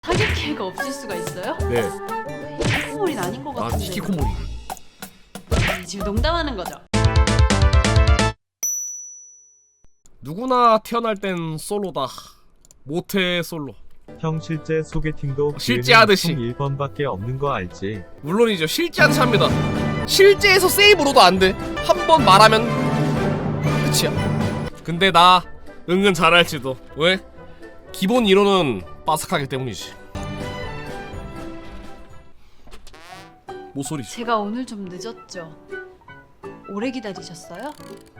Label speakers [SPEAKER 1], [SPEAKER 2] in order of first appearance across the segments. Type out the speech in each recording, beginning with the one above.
[SPEAKER 1] 타겟 기회가 없을 수가 있어요?
[SPEAKER 2] 네.
[SPEAKER 1] 히키코모리는 아닌 것
[SPEAKER 2] 아,
[SPEAKER 1] 같은데.
[SPEAKER 2] 히키코모리.
[SPEAKER 1] 지금 농담하는 거죠?
[SPEAKER 2] 누구나 태어날 땐 솔로다. 모태 솔로.
[SPEAKER 3] 형 실제 소개팅도
[SPEAKER 2] 실제 하듯이.
[SPEAKER 3] 1번밖에 없는 거 알지?
[SPEAKER 2] 물론이죠. 실제 하듯이 합니다. 실제에서 세이브로도 안 돼. 한 번 말하면 끝이야. 근데 나 은근 잘할지도. 왜? 기본 이론은 빠삭하기 때문이지. 모서리.
[SPEAKER 1] 제가 오늘 좀 늦었죠? 오래 기다리셨어요?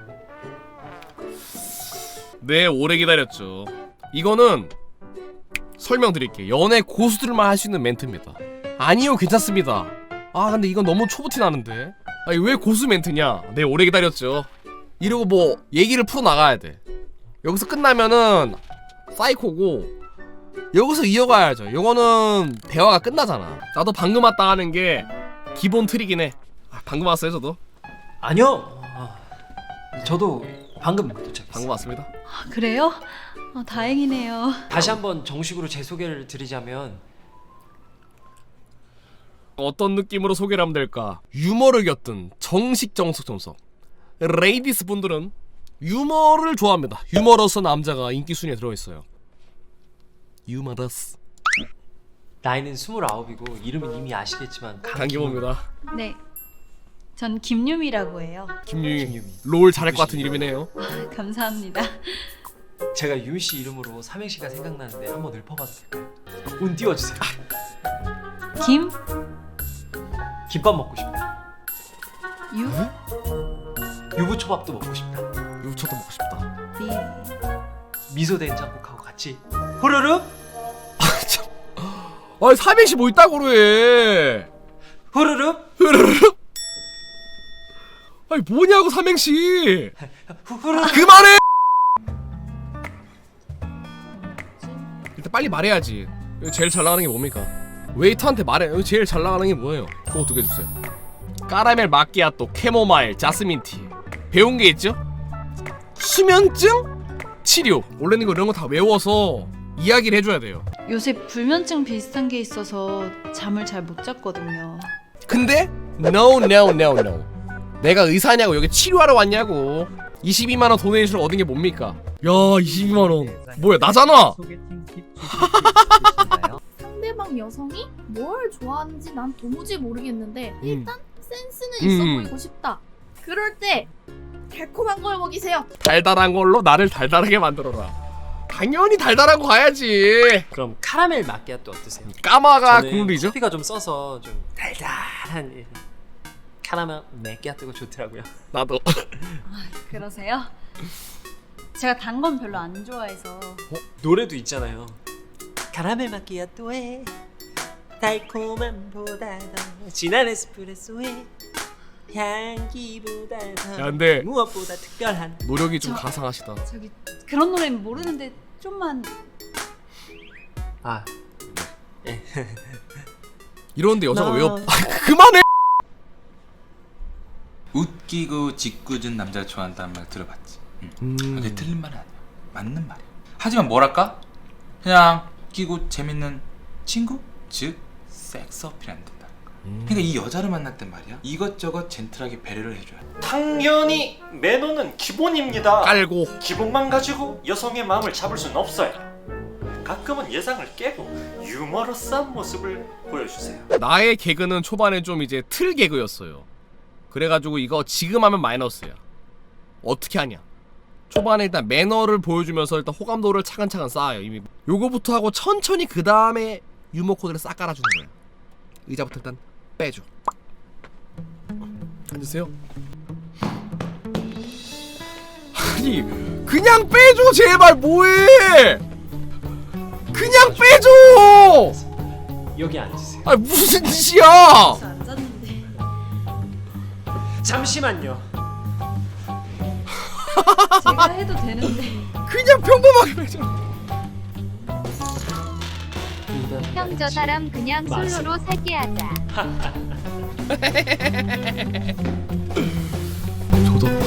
[SPEAKER 2] 네, 오래 기다렸죠. 이거는 설명드릴게. 연애 고수들만 할 수 있는 멘트입니다. 아니요, 괜찮습니다. 아, 근데 이건 너무 초보티 나는데. 아니, 왜 고수 멘트냐? 네, 오래 기다렸죠. 이러고 뭐 얘기를 풀어 나가야 돼. 여기서 끝나면은 사이코고, 여기서 이어가야죠. 이거는 대화가 끝나잖아. 나도 방금 왔다 하는 게 기본 틀이긴 해. 방금 왔어요, 저도.
[SPEAKER 4] 아니요. 저도 방금 도착했어요.
[SPEAKER 2] 방금 왔습니다.
[SPEAKER 1] 아, 그래요? 다행이네요.
[SPEAKER 4] 다시 한번 정식으로 제 소개를 드리자면
[SPEAKER 2] 어떤 느낌으로 소개를 하면 될까? 유머를 곁든 정식 정석. 레이디스 분들은 유머를 좋아합니다. 유머러스 남자가 인기 순위에 들어있어요. 유머러스.
[SPEAKER 4] 나이는 29이고 이름은 이미 아시겠지만
[SPEAKER 2] 강기모입니다.
[SPEAKER 1] 네, 전 김유미라고 해요.
[SPEAKER 2] 김유미. 롤 잘할 것 같은 이름이네요.
[SPEAKER 1] 감사합니다.
[SPEAKER 4] 제가 유미 씨 이름으로 삼행시가 생각나는데 한번 읊어봐도 될까요? 운 띄워주세요.
[SPEAKER 1] 김,
[SPEAKER 4] 김밥 먹고 싶다.
[SPEAKER 1] 유,
[SPEAKER 4] 유부초밥도 먹고 싶다.
[SPEAKER 2] 유부초도 먹고 싶다.
[SPEAKER 1] 미.
[SPEAKER 4] 미소 된장국하고 같이 후루룩
[SPEAKER 2] 아니, 삼행시 뭐 있다고 그래.
[SPEAKER 4] 후루룩
[SPEAKER 2] 아니, 뭐냐고 삼행시.
[SPEAKER 4] 후루룩.
[SPEAKER 2] 그만해. 일단 빨리 말해야지. 여기 제일 잘 나가는 게 뭡니까? 웨이터한테 말해. 여기 제일 잘 나가는 게 뭐예요? 그거 두 개 주세요. 까라멜 마끼아또, 캐모마일, 자스민티. 배운 게 있죠? 수면증 치료. 원래는 이거 이런 거 다 외워서 이야기를 해줘야 돼요.
[SPEAKER 1] 요새 불면증 비슷한 게 있어서 잠을 잘 못 잤거든요.
[SPEAKER 2] 근데 no. 내가 의사냐고, 여기 치료하러 왔냐고. 22만원 도네이션을 얻은 게 뭡니까? 야, 22만원 뭐야, 나잖아.
[SPEAKER 3] 소개팅 팁 주실 수 있으신가요?
[SPEAKER 5] 상대방 여성이 뭘 좋아하는지 난 도무지 모르겠는데 일단 센스는
[SPEAKER 2] 음.
[SPEAKER 5] 있어 보이고 싶다. 그럴 때 달콤한 걸 먹이세요.
[SPEAKER 2] 달달한 걸로 나를 달달하게 만들어라. 당연히 달달한 거 가야지.
[SPEAKER 4] 그럼 카라멜 마끼아또 어떠세요?
[SPEAKER 2] 까마가
[SPEAKER 4] 저는
[SPEAKER 2] 국룰이죠?
[SPEAKER 4] 커피가 좀 써서 좀 달달한 카라멜 마끼아또가 좋더라고요.
[SPEAKER 2] 나도.
[SPEAKER 1] 그러세요? 제가 단 건 별로 안 좋아해서.
[SPEAKER 4] 노래도 있잖아요. 카라멜 마끼아또에 달콤함보다 더 진한 에스프레소에 향기보다 더
[SPEAKER 2] 야, 근데
[SPEAKER 4] 무엇보다 특별한
[SPEAKER 2] 노력이 좀 가상하시다.
[SPEAKER 1] 저기 그런 노래는 모르는데 좀만.
[SPEAKER 4] 아
[SPEAKER 2] 이러는데 여자가
[SPEAKER 4] 나-
[SPEAKER 2] 왜 그만해.
[SPEAKER 6] 웃기고 짓궂은 남자를 좋아한다는 말 들어봤지. 근데 틀린 말은 아니야. 맞는 말이야. 하지만 뭐랄까? 그냥 웃기고 재밌는 친구? 즉 섹스 어필하는 된다. 그러니까 이 여자를 만날 땐 말이야, 이것저것 젠틀하게 배려를 해줘야 돼.
[SPEAKER 7] 당연히 매너는 기본입니다.
[SPEAKER 2] 깔고.
[SPEAKER 7] 기본만 가지고 여성의 마음을 잡을 수는 없어요. 가끔은 예상을 깨고 유머러스한 모습을 보여주세요.
[SPEAKER 2] 나의 개그는 초반에 좀 이제 틀 개그였어요. 그래가지고 이거 지금 하면 마이너스야. 어떻게 하냐? 초반에 일단 매너를 보여주면서 일단 호감도를 차근차근 쌓아요. 이미 요거부터 하고 천천히 그 다음에 유머 코드를 싹 깔아주는 거야. 의자부터 일단 빼줘. 앉으세요. 아니, 그냥 빼줘 제발. 뭐해? 그냥 빼줘.
[SPEAKER 4] 여기 앉으세요.
[SPEAKER 2] 아, 무슨 짓이야?
[SPEAKER 1] 안 잤는데.
[SPEAKER 4] 잠시만요.
[SPEAKER 1] 제가 해도 되는데.
[SPEAKER 2] 그냥 평범하게 빼줘.
[SPEAKER 8] 형 저 사람 그냥
[SPEAKER 4] 맞아.
[SPEAKER 8] 솔로로 살게 하자.
[SPEAKER 2] 조졌다.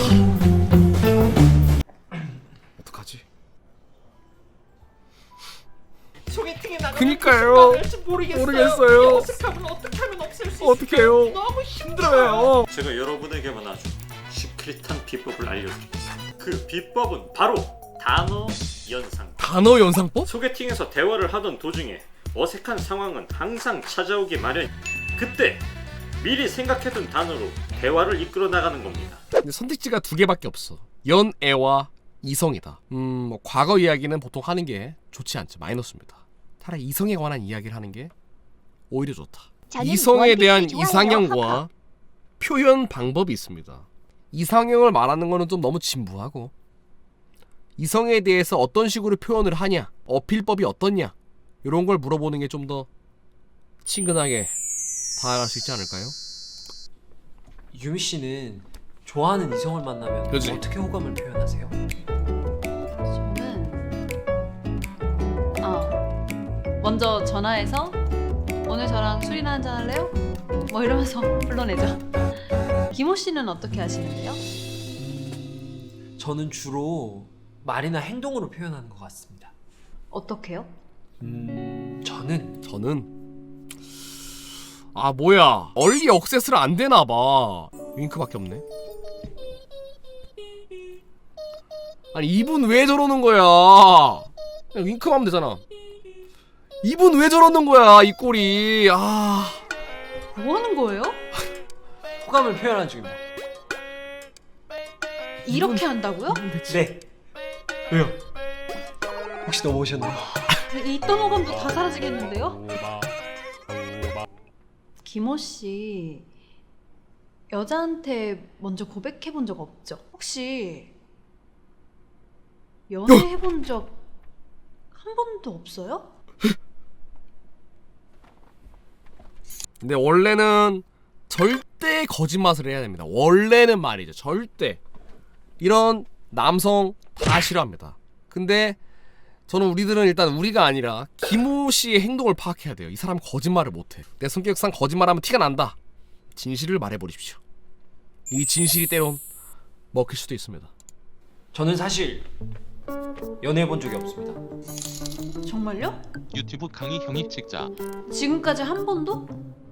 [SPEAKER 2] 어떡하지?
[SPEAKER 7] 소개팅에 나가면
[SPEAKER 2] 그니까 어떡해요? 모르겠어요.
[SPEAKER 7] 어색함을 어떻게 하면 없앨 수
[SPEAKER 2] 어떡해요? 너무 힘들어요.
[SPEAKER 7] 제가 여러분에게만 아주 시크릿한 비법을 알려드리겠습니다. 그 비법은 바로 단어 연상.
[SPEAKER 2] 단어 연상법?
[SPEAKER 7] 소개팅에서 대화를 하던 도중에 어색한 상황은 항상 찾아오기 마련. 그때 미리 생각해둔 단어로 대화를 이끌어 나가는 겁니다.
[SPEAKER 2] 근데 선택지가 두 개밖에 없어. 연애와 이성이다. 뭐 과거 이야기는 보통 하는 게 좋지 않죠. 마이너스입니다. 차라리 이성에 관한 이야기를 하는 게 오히려 좋다. 이성에 대한 이상형과 표현 방법이 있습니다. 이상형을 말하는 거는 좀 너무 진부하고, 이성에 대해서 어떤 식으로 표현을 하냐, 어필법이 어떻냐, 이런 걸 물어보는 게 좀 더 친근하게 다가갈 수 있지 않을까요?
[SPEAKER 4] 유미 씨는 좋아하는 이성을 만나면
[SPEAKER 2] 그치.
[SPEAKER 4] 어떻게 호감을 표현하세요?
[SPEAKER 1] 저는 먼저 전화해서 오늘 저랑 술이나 한잔 할래요? 뭐 이러면서 불러내죠. 김호 씨는 어떻게 하시는데요?
[SPEAKER 4] 저는 주로 말이나 행동으로 표현하는 것 같습니다.
[SPEAKER 1] 어떻게요?
[SPEAKER 4] 저는
[SPEAKER 2] 아 뭐야, 얼리 억세스를 안 되나봐. 윙크밖에 없네. 아니 이분 왜 저러는 거야? 그냥 윙크만 하면 되잖아. 이분 왜 저러는 거야, 이 꼴이. 아,
[SPEAKER 1] 뭐 하는 거예요?
[SPEAKER 4] 호감을 표현하는 중입니다.
[SPEAKER 1] 이렇게 한다고요?
[SPEAKER 4] 네. 왜요? 혹시 넘어오셨나요?
[SPEAKER 1] 있던 호감도 다 사라지겠는데요? 김호 씨, 여자한테 먼저 고백해 본 적 없죠? 혹시 연애해 본 적 한 번도 없어요?
[SPEAKER 2] 근데 원래는 절대 거짓말을 해야 됩니다. 원래는 말이죠. 절대. 이런 남성 다 싫어합니다. 근데 저는 우리들은 일단 우리가 아니라 김호 씨의 행동을 파악해야 돼요. 이 사람 거짓말을 못해. 내 성격상 거짓말하면 티가 난다. 진실을 말해버리십시오. 이 진실이 때론 먹힐 수도 있습니다.
[SPEAKER 4] 저는 사실 연애해 본 적이 없습니다.
[SPEAKER 1] 정말요?
[SPEAKER 9] 유튜브 강의 형이 찍자.
[SPEAKER 1] 지금까지 한 번도?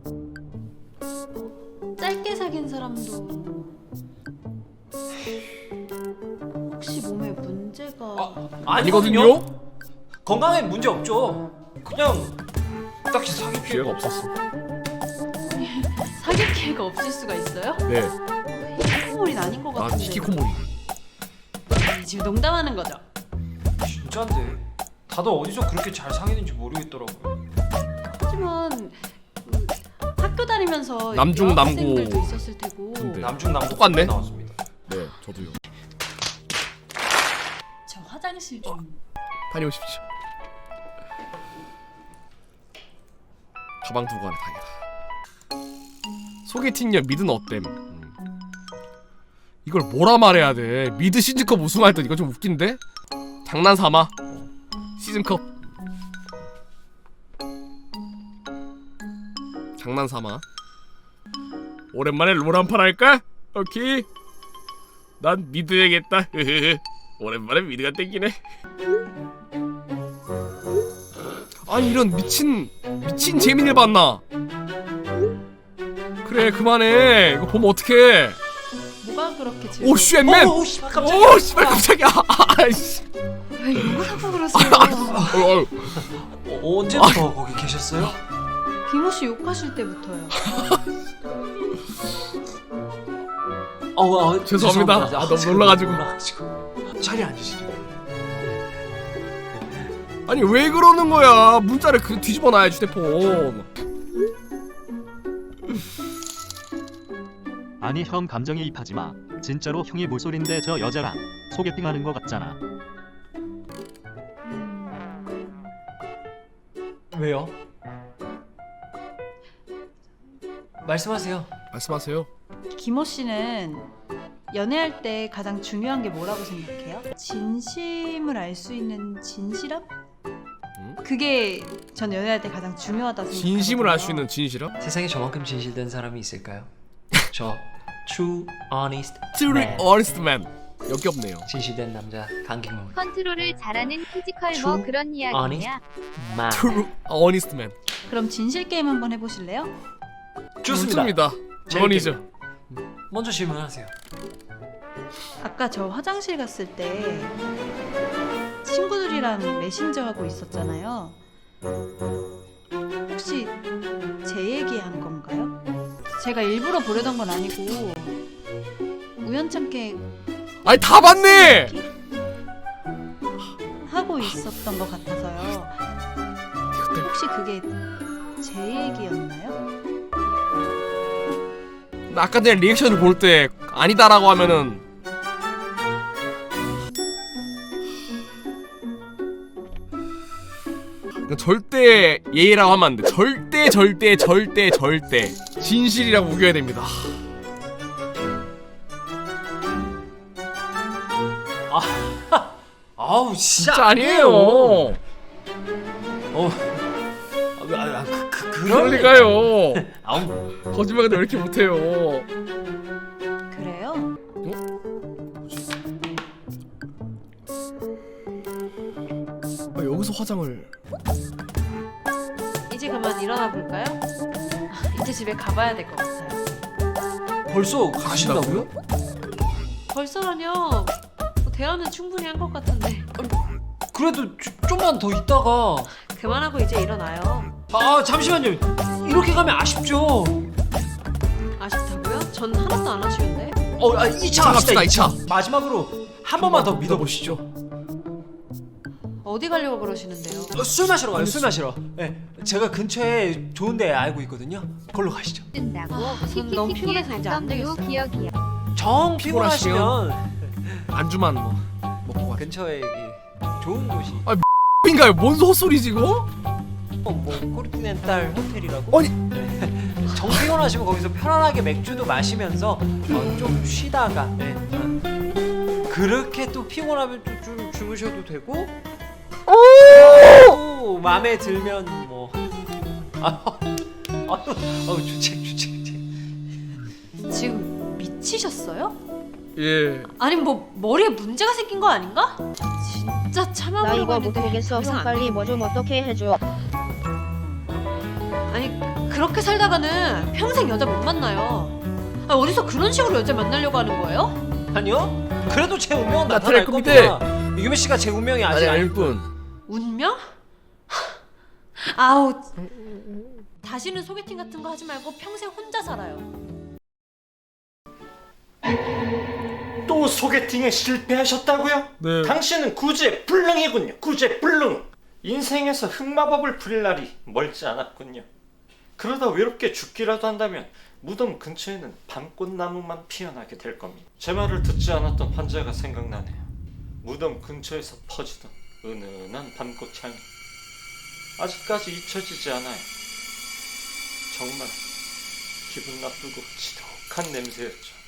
[SPEAKER 1] 짧게 사귄 사람도 혹시 몸에 문제가
[SPEAKER 2] 아니거든요?
[SPEAKER 4] 건강에 문제 없죠. 그냥 딱히 사귈
[SPEAKER 2] 기회가 없었어.
[SPEAKER 1] 사귈 기회가 없을 수가 있어요?
[SPEAKER 2] 네.
[SPEAKER 1] 히키코모리는 아닌 것
[SPEAKER 2] 난
[SPEAKER 1] 같은데.
[SPEAKER 2] 히키코모리.
[SPEAKER 1] 지금 농담하는 거죠?
[SPEAKER 4] 진짠데 다들 어디서 그렇게 잘 사귀는지 모르겠더라고요.
[SPEAKER 1] 하지만 학교 다니면서
[SPEAKER 2] 남중,
[SPEAKER 1] 여학생들도
[SPEAKER 2] 남고.
[SPEAKER 1] 있었을 테고.
[SPEAKER 2] 근데.
[SPEAKER 4] 남중 남고
[SPEAKER 2] 똑같네?
[SPEAKER 4] 나왔습니다.
[SPEAKER 2] 네, 저도요.
[SPEAKER 1] 저 화장실 좀.
[SPEAKER 2] 다녀오십시오. 가방 두고 가네, 다행이다. 소개팅녀 미드는 어땜? 이걸 뭐라 말해야 돼? 미드 시즌컵 우승할 때 이거 좀 웃긴데? 장난 삼아. 시즌컵. 장난 삼아. 오랜만에 롤 한 판 할까? 오케이. 난 미드 해야겠다. 오랜만에 미드가 땡기네. 아니 이런 미친 재민을 봤나? 그래 그만해. 이거 보면 어떡해.
[SPEAKER 1] 뭐가 그렇게 즐거워?
[SPEAKER 2] 오 쉣맨.
[SPEAKER 4] 오 씨발 깜짝이야.
[SPEAKER 2] 오 씨발 깜짝이야. 아이씨.
[SPEAKER 1] 왜 욕을 하고 그러세요?
[SPEAKER 4] 언제부터 거기 계셨어요?
[SPEAKER 1] 김호 씨 욕하실 때부터요.
[SPEAKER 2] 죄송합니다. 아, 너무 놀라가지고.
[SPEAKER 4] 자리에 앉으시죠.
[SPEAKER 2] 아니 왜 그러는 거야? 문자를 그 뒤집어 놔야지 휴대폰.
[SPEAKER 10] 아니 형 감정에 입하지 마. 진짜로 형이 모쏠인데 저 여자랑 소개팅하는 거 같잖아.
[SPEAKER 4] 왜요? 말씀하세요.
[SPEAKER 2] 말씀하세요.
[SPEAKER 1] 김호 씨는 연애할 때 가장 중요한 게 뭐라고 생각해요? 진심을 알 수 있는 진실함? 그게 전 연애할 때 가장 중요하다고 생각해요.
[SPEAKER 2] 진심을 알 수 있는 진실함?
[SPEAKER 4] 세상에 저만큼 진실된 사람이 있을까요? 저 true honest
[SPEAKER 2] Truly
[SPEAKER 4] man.
[SPEAKER 2] honest man. 역겹네요.
[SPEAKER 4] 진실된 남자 강경호.
[SPEAKER 8] 컨트롤을 잘하는 피지컬
[SPEAKER 4] True
[SPEAKER 8] 뭐 그런 이야기냐.
[SPEAKER 4] 마.
[SPEAKER 2] True honest man.
[SPEAKER 1] 그럼 진실 게임 한번 해보실래요?
[SPEAKER 4] 좋습니다.
[SPEAKER 2] 물론이죠.
[SPEAKER 4] 먼저 질문하세요.
[SPEAKER 1] 아까 저 화장실 갔을 때 친구들이랑 메신저 하고 있었잖아요. 혹시 제 얘기한 건가요? 제가 일부러 보려던 건 아니고 우연찮게
[SPEAKER 2] 아니 다 봤네.
[SPEAKER 1] 하고 있었던 것 같아서요. 혹시 그게 제 얘기였나요?
[SPEAKER 2] 나 아까 전에 리액션을 볼 때 아니다라고 하면은 절대 예의라고 하면 안 돼. 절대 진실이라고 우겨야 됩니다.
[SPEAKER 4] 아우
[SPEAKER 2] 진짜 아니에요. 그럴 리가요.
[SPEAKER 4] 아우
[SPEAKER 2] 거짓말도 왜 이렇게 못해요.
[SPEAKER 1] 그래요?
[SPEAKER 2] 여기서 화장을
[SPEAKER 1] 이제 그만 일어나 볼까요? 이제 집에 가봐야 될 것 같아요.
[SPEAKER 4] 벌써 가신다고요?
[SPEAKER 1] 벌써라뇨? 대화는 충분히 한 것 같은데.
[SPEAKER 4] 그래도 좀만 더 있다가.
[SPEAKER 1] 그만하고 이제 일어나요.
[SPEAKER 4] 아 잠시만요. 이렇게 가면 아쉽죠.
[SPEAKER 1] 아쉽다고요? 전 하나도 안 아쉬운데.
[SPEAKER 4] 2차 갑시다.
[SPEAKER 2] 갑시다,
[SPEAKER 4] 2차. 마지막으로 한 번만 더 믿어보시죠.
[SPEAKER 1] 어디 가려고 그러시는데요?
[SPEAKER 4] 술 마시러 가요. 술 마시러. 네, 제가 근처에 좋은 데 알고 있거든요. 걸로 가시죠.
[SPEAKER 8] 뜬다고.
[SPEAKER 1] 전 너무 피곤해서 이제 안 되겠어요.
[SPEAKER 8] 기억이야.
[SPEAKER 4] 정 피곤하시면
[SPEAKER 2] 안주만 뭐 먹고 가.
[SPEAKER 4] 근처에 좋은 곳이.
[SPEAKER 2] 인가요? 뭔 헛소리지 이거?
[SPEAKER 4] 뭐 코르티넨탈 호텔이라고?
[SPEAKER 2] 아니.
[SPEAKER 4] 정 피곤하시면 거기서 편안하게 맥주도 마시면서 좀 쉬다가. 네. 그렇게 또 피곤하면 또 좀 주무셔도 되고. 또 마음에 들면 뭐. 주책.
[SPEAKER 1] 지금 미치셨어요?
[SPEAKER 2] 예.
[SPEAKER 1] 아니 뭐 머리에 문제가 생긴 거 아닌가? 진짜 참아보려고 했는데 더 이상 안
[SPEAKER 8] 빨리 뭐 좀 어떻게 해줘.
[SPEAKER 1] 아니 그렇게 살다가는 평생 여자 못 만나요. 아, 어디서 그런 식으로 여자 만나려고 하는 거예요?
[SPEAKER 4] 아니요. 그래도 제 운명은
[SPEAKER 2] 나타날
[SPEAKER 4] 나타날
[SPEAKER 2] 겁니다.
[SPEAKER 4] 겁니다. 이규민 씨가 제 운명이 아직
[SPEAKER 2] 아니
[SPEAKER 4] 아닐
[SPEAKER 2] 아닐 뿐.
[SPEAKER 1] 운명? 아우 다시는 소개팅 같은 거 하지 말고 평생 혼자 살아요.
[SPEAKER 7] 또 소개팅에 실패하셨다고요?
[SPEAKER 2] 네.
[SPEAKER 7] 당신은 구제불능이군요. 구제불능. 인생에서 흑마법을 부릴 날이 멀지 않았군요. 그러다 외롭게 죽기라도 한다면 무덤 근처에는 밤꽃나무만 피어나게 될 겁니다. 제 말을 듣지 않았던 환자가 생각나네요. 무덤 근처에서 퍼지던 은은한 밤꽃 향이 아직까지 잊혀지지 않아요. 정말 기분 나쁘고 지독한 냄새였죠.